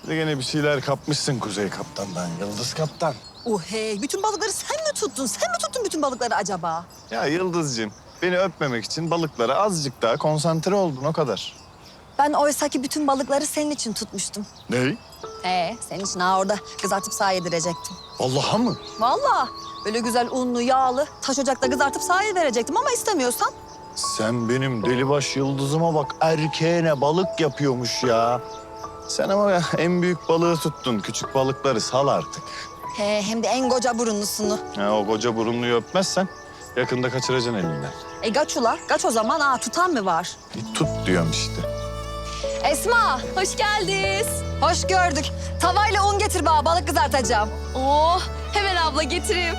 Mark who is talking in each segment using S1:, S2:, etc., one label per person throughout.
S1: de gene bir şeyler kapmışsın Kuzey Kaptan'dan, Yıldız Kaptan.
S2: Hey, bütün balıkları sen mi tuttun? Sen mi tuttun bütün balıkları acaba?
S1: Ya Yıldız'cığım, beni öpmemek için balıklara azıcık daha konsantre oldun, o kadar.
S2: Ben oysaki bütün balıkları senin için tutmuştum.
S1: Ne?
S2: Senin için orada kızartıp sağa yedirecektim.
S1: Vallahi mı?
S2: Vallahi böyle güzel unlu, yağlı taş ocakta kızartıp sağa verecektim ama istemiyorsan.
S1: Sen benim delibaş Yıldız'ıma bak, erkeğine balık yapıyormuş ya. Sen ama ya, en büyük balığı tuttun, küçük balıkları sal artık.
S2: Hem de en koca burunlusunu.
S1: Ya, o koca burunluyu öpmezsen yakında kaçıracaksın elinden.
S2: Kaç ula, kaç o zaman. Tutan mı var?
S1: Tut diyorum işte.
S2: Esma, hoş geldiniz. Hoş gördük. Tavayla un getir bana, balık kızartacağım.
S3: Oh, hemen abla getireyim.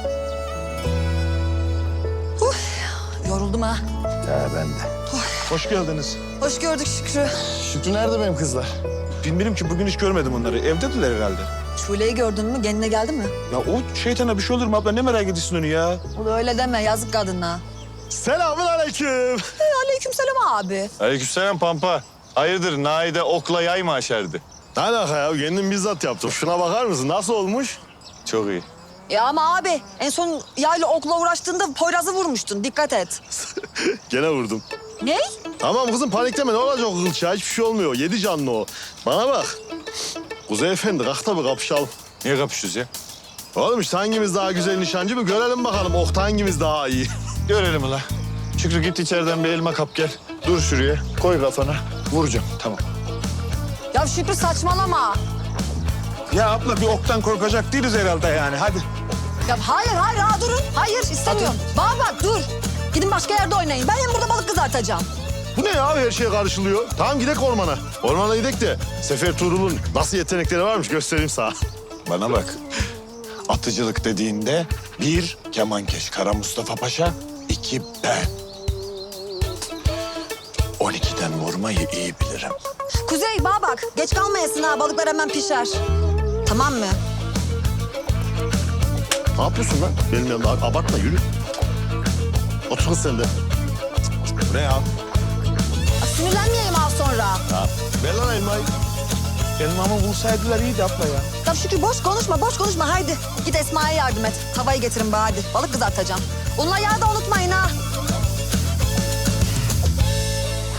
S2: Yoruldum ha.
S1: Ya ben de.
S4: Hoş geldiniz.
S2: Hoş gördük Şükrü.
S1: Şükrü nerede benim kızlar?
S4: Bilmiyorum ki bugün hiç görmedim onları. Evdediler herhalde.
S2: Şule'yi gördün mü? Kendine geldi mi?
S4: Ya o şeytana bir şey olur mu abla? Ne merak ediyorsun onu ya?
S2: O da öyle deme, yazık kadına.
S4: Selamun aleyküm.
S2: Aleykümselam abi.
S1: Aleykümselam Pampa. Hayırdır, Naide okla yay mı aşerdi?
S4: Ne alaka ya? Kendim bizzat yaptım. Şuna bakar mısın? Nasıl olmuş?
S1: Çok iyi.
S2: Ya ama abi, en son yayla okla uğraştığında Poyraz'ı vurmuştun. Dikkat et.
S4: Gene vurdum.
S2: Ne?
S4: Tamam kızım panikleme. Ne olacak o kılçığa? Hiçbir şey olmuyor. Yedi canlı o. Bana bak. Kuzey Efendi kalk da bir kapışalım.
S1: Niye kapışıyoruz ya?
S4: Oğlum işte hangimiz daha güzel nişancı mı? Görelim bakalım. Okta hangimiz daha iyi.
S1: Görelim ulan. Şükrü git içeriden bir elma kap gel. Dur şuraya, koy kafana. Vuracağım, tamam.
S2: Ya Şükrü saçmalama.
S4: Ya abla bir oktan korkacak değiliz herhalde yani. Hadi.
S2: Ya hayır, durun. Hayır, istemiyorum. Bana bak, dur. Gidin başka yerde oynayın. Ben hem burada balık kızartacağım.
S4: Bu ne ya? Her şey karışılıyor. Tamam gidek ormana. Ormana gidek de Sefer Tuğrul'un nasıl yetenekleri varmış göstereyim sana.
S1: Bana bak. Atıcılık dediğinde 1 kemankeş Kara Mustafa Paşa, 2 ben. 12'den vurmayı iyi bilirim.
S2: Kuzey, bana bak. Geç kalmayasın ha, balıklar hemen pişer. Tamam mı?
S4: Ne yapıyorsun lan? Benim yanımda abartma yürü. Otur kız sen de. Bu ne ya?
S2: Sinirlenmeyeyim az sonra.
S4: Ver lan elmayı.
S5: Elmamı bulsaydılar iyiydi abla ya.
S2: Ya Şükrü boş konuşma haydi. Git Esma'ya yardım et. Tavayı getirin bana hadi. Balık kızartacağım. Unla yağı da unutmayın ha.